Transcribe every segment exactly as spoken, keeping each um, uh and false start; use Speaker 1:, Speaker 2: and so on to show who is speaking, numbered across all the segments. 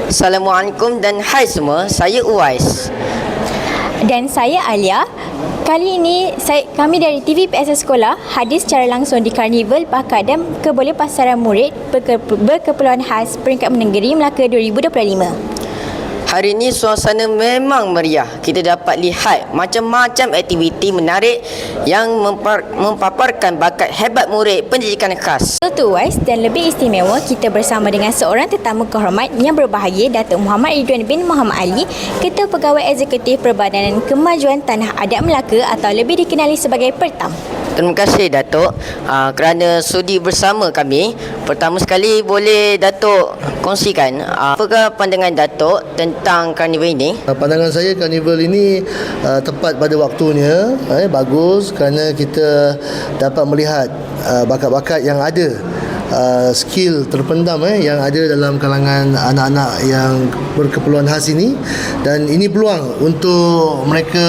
Speaker 1: Assalamualaikum dan hai semua, saya Uwais.
Speaker 2: Dan saya Alia. Kali ini saya, kami dari T V P S S Sekolah hadir secara langsung di Karnival Bakat dan Kebolehpasaran Murid Berke, Berkeperluan Khas Peringkat Negeri Melaka dua ribu dua puluh lima.
Speaker 1: Hari ini suasana memang meriah. Kita dapat lihat macam-macam aktiviti menarik yang mempar, mempaparkan bakat hebat murid pendidikan khas.
Speaker 2: Betul Wais, dan lebih istimewa kita bersama dengan seorang tetamu kehormat yang berbahagia, Datuk Muhammad Ridwan bin Muhammad Ali, Ketua Pegawai Eksekutif Perbadanan Kemajuan Tanah Adat Melaka atau lebih dikenali sebagai Pertam.
Speaker 1: Terima kasih Datuk uh, kerana sudi bersama kami. Pertama sekali boleh Datuk kongsikan uh, apakah pandangan Datuk tentang karnival ini?
Speaker 3: Pandangan saya karnival ini uh, tepat pada waktunya, eh, bagus kerana kita dapat melihat uh, bakat-bakat yang ada. Uh, skill terpendam eh, yang ada dalam kalangan anak-anak yang berkeperluan khas ini, dan ini peluang untuk mereka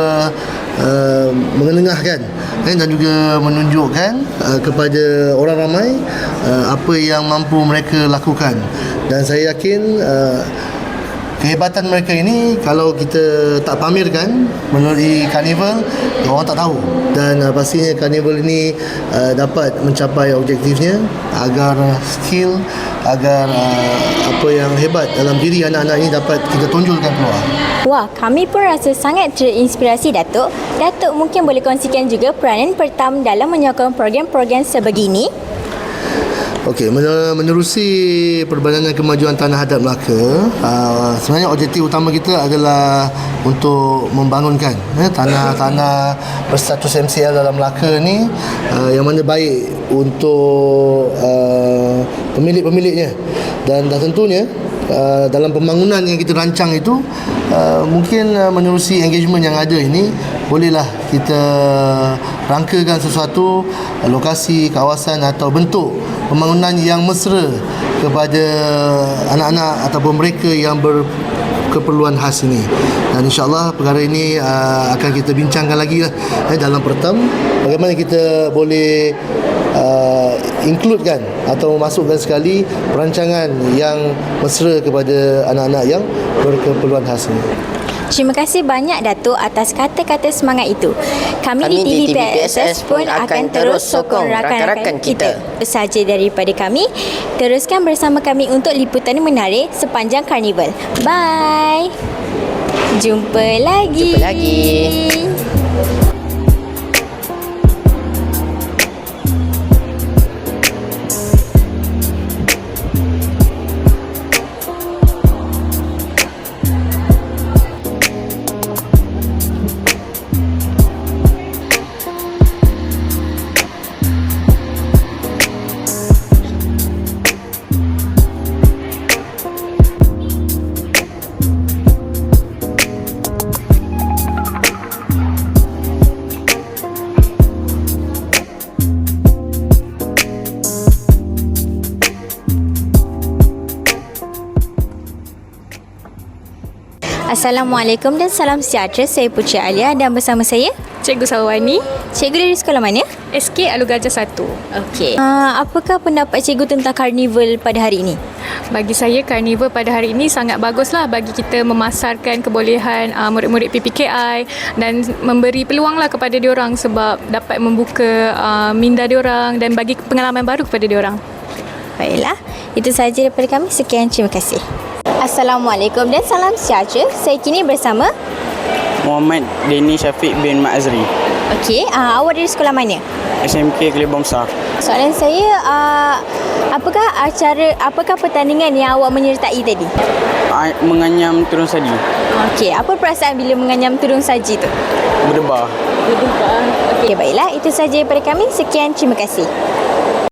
Speaker 3: uh, mengenengahkan eh, dan juga menunjukkan uh, kepada orang ramai uh, apa yang mampu mereka lakukan. Dan saya yakin uh, kehebatan mereka ini kalau kita tak pamerkan melalui karnival, orang tak tahu. Dan uh, pastinya karnival ini uh, dapat mencapai objektifnya agar skill, agar uh, apa yang hebat dalam diri anak-anak ini dapat kita tonjolkan keluar.
Speaker 2: Wah, kami pun rasa sangat terinspirasi Datuk. Datuk mungkin boleh kongsikan juga peranan Pertam dalam menyokong program-program sebegini.
Speaker 3: Okey, menerusi Perbadanan Kemajuan Tanah Adat Melaka, uh, sebenarnya objektif utama kita adalah untuk membangunkan eh, tanah-tanah berstatus M C L dalam Melaka ni uh, yang mana baik untuk uh, pemilik-pemiliknya, dan dah tentunya Uh, dalam pembangunan yang kita rancang itu uh, mungkin uh, menerusi engagement yang ada ini, bolehlah kita rangkakan sesuatu uh, lokasi, kawasan atau bentuk pembangunan yang mesra kepada anak-anak ataupun mereka yang berkeperluan khas ini. Dan insya-Allah perkara ini uh, akan kita bincangkan lagi lah, eh, dalam Pertam, bagaimana kita boleh Uh, includekan atau masukkan sekali perancangan yang mesra kepada anak-anak yang berkeperluan khas ini.
Speaker 2: Terima kasih banyak Datuk atas kata-kata semangat itu. Kami,
Speaker 1: Kami
Speaker 2: di T V P S S pun akan terus sokong rakan-rakan kita. Itu sahaja daripada kami. Teruskan bersama kami untuk liputan menarik sepanjang karnival. Bye. Jumpa lagi.
Speaker 1: Jumpa lagi.
Speaker 2: Assalamualaikum dan salam sejahtera. Saya Putri Alia dan bersama saya
Speaker 4: Cikgu Salwani.
Speaker 2: Cikgu dari sekolah mana?
Speaker 4: S K Alur Gajah satu.
Speaker 2: Okey. Uh, apakah pendapat cikgu tentang karnival pada hari ini?
Speaker 4: Bagi saya, karnival pada hari ini sangat baguslah bagi kita memasarkan kebolehan uh, murid-murid P P K I dan memberi peluanglah kepada diorang sebab dapat membuka uh, minda diorang dan bagi pengalaman baru kepada diorang.
Speaker 2: Baiklah, itu sahaja daripada kami. Sekian, terima kasih. Assalamualaikum dan salam sejahtera. Saya kini bersama
Speaker 5: Muhammad Deni Syafiq bin Mak Azri.
Speaker 2: Okey, uh, awak dari sekolah mana?
Speaker 5: S M K Kelibong Besar.
Speaker 2: Soalan saya, uh, apakah acara, apakah pertandingan yang awak menyertai tadi?
Speaker 5: Menganyam turun saji.
Speaker 2: Okey, apa perasaan bila menganyam turun saji tu?
Speaker 5: Berdebar.
Speaker 2: Berdebar. Okey, baiklah, itu sahaja daripada kami. Sekian, terima kasih.